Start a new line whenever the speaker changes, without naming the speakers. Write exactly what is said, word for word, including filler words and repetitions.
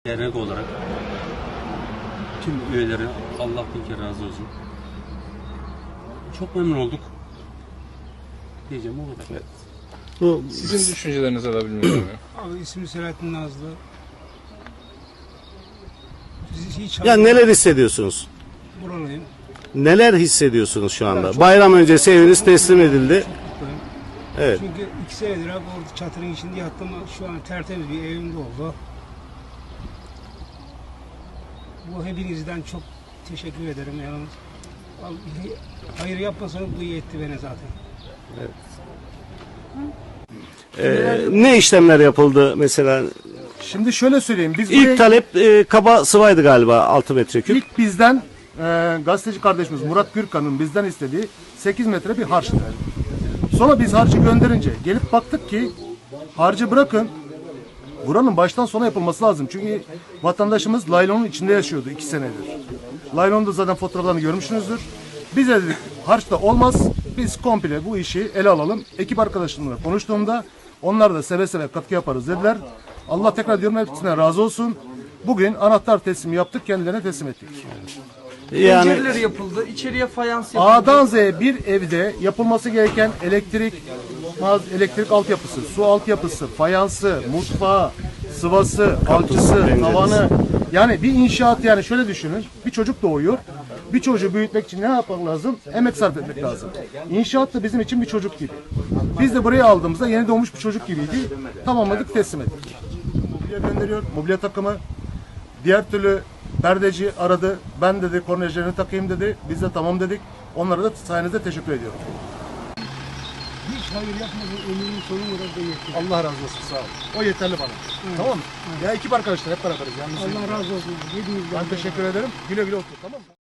Dernek olarak tüm üyeleri Allah bin kere razı olsun. Çok memnun olduk. Diyeceğim o kadar.
Evet. Bu, Sizin düşüncelerinizi alabilir miyim?
Abi ismi Selahattin Nazlı. Hiç
Ya neler hissediyorsunuz?
buralıyım.
Neler hissediyorsunuz şu
Ben
anda?
çok-
Bayram öncesi eviniz teslim edildi.
Çok mutluyum.
Evet.
Çünkü iki senedir abi orada çatırın içinde yattım. Şu an tertemiz bir evimde oldu. Bu hepinizden çok teşekkür ederim. Yani Abi, hayır yapmasanız bu iyi etti beni zaten.
Ee, ne işlemler yapıldı mesela?
Şimdi şöyle söyleyeyim. Biz
İlk
buraya-
talep e, kaba sıvaydı galiba altı metreküp.
ilk bizden e, gazeteci kardeşimiz Murat Gürkan'ın bizden istediği sekiz metre bir harçtı. Sonra biz harcı gönderince gelip baktık ki harcı bırakın, buranın baştan sona yapılması lazım. Çünkü vatandaşımız laylonun içinde yaşıyordu iki senedir. Laylonun da zaten fotoğraflarını görmüşsünüzdür. Biz de dedik harç da olmaz. Biz komple bu işi ele alalım. Ekip arkadaşlarımla konuştuğumda onlar da seve seve katkı yaparız dediler. Allah tekrar diyorum hepsine razı olsun. Bugün anahtar teslimi yaptık, kendilerine teslim ettik.
Yani
Pencereleri yapıldı, içeriye fayans yapıldı.
A'dan Z'ye bir evde yapılması gereken elektrik, maz- elektrik altyapısı, su altyapısı, fayansı, mutfağı, sıvası, alçısı,
penceresi.
tavanı. Yani bir inşaat, yani şöyle düşünün. Bir çocuk doğuyor. Bir çocuğu büyütmek için ne yapmak lazım? Emek sarf etmek lazım. İnşaat da bizim için bir çocuk gibi. Biz de buraya aldığımızda yeni doğmuş bir çocuk gibiydi. Tamamladık, teslim ettik. Mobilya gönderiyor, mobilya takımı. Diğer türlü perdeci aradı. Ben dedi kornejlerini takayım dedi. Biz de tamam dedik. Onlara da sayenizde teşekkür ediyorum.
Hiç hayır yapmadan ömrümün sonuna kadar da yetti.
Allah razı olsun, sağ ol. O yeterli bana. Tamam mı? Ya ekip arkadaşlar hep beraberiz. Yalnız
Allah razı olsun. Hepinizden.
ben teşekkür ederim. Güle güle otur, tamam mı?